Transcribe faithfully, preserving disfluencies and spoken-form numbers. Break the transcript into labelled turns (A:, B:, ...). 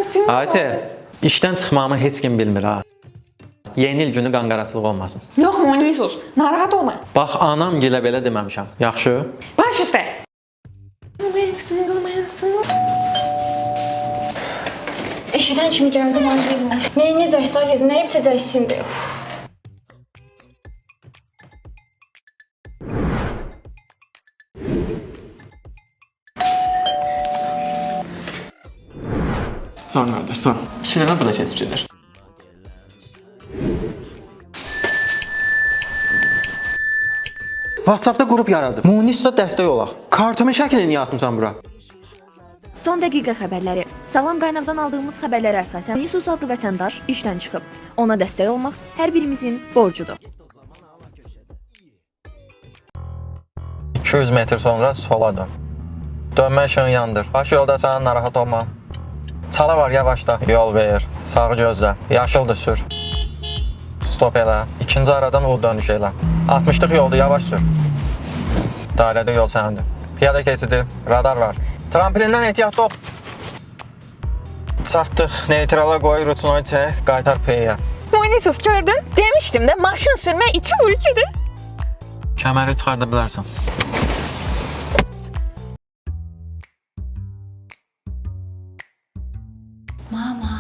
A: Ayşe, işdən çıxmamı heç kim bilmir ha. Yeni il günü qanqaraçılıq olmasın.
B: Yox, Monisus, narahat olma.
A: Bax, anam gilə belə deməmişəm. Yaxşı?
B: Baş üstə. Eşidən kimi gəldi mənim yezinə. Nəyə necəksə yezinə, nə içəcəksin de.
A: Son qardaş, son. Şirənə buna keçib gedir. WhatsApp-da qrup yaradıb. Munisda dəstək olaq. Kartımın şəklini niyə atmısan bura?
C: Son dəqiqə xəbərləri. Salam qaynaqdan aldığımız xəbərlərə əsasən Nisus adlı vətəndaş işdən çıxıb. Ona dəstək olmaq hər birimizin borcudur.
D: iki yüz metr sonra sola dön. Dönmə işığını yandır. Baş yoldasan, narahat olma. Çala var, yavaşla. Yol ver. Sağı gözlə. Yaşıldır, sür. Stop elə. İkinci aradan U dönüş elə. altmışlıq yoldur, yavaş sür. Dairədə yol sənindir. Piyada keçidi, radar var. Tramplindən ehtiyatlı ol. Çatdıq. Neytrala qoy, ruçinoyu çək, qaytar P-yə.
B: Monisus gördün? Demişdim də maşın sürmək iki vur ikidir.
D: Kəməri çıxarda bilərsən.
B: Mama.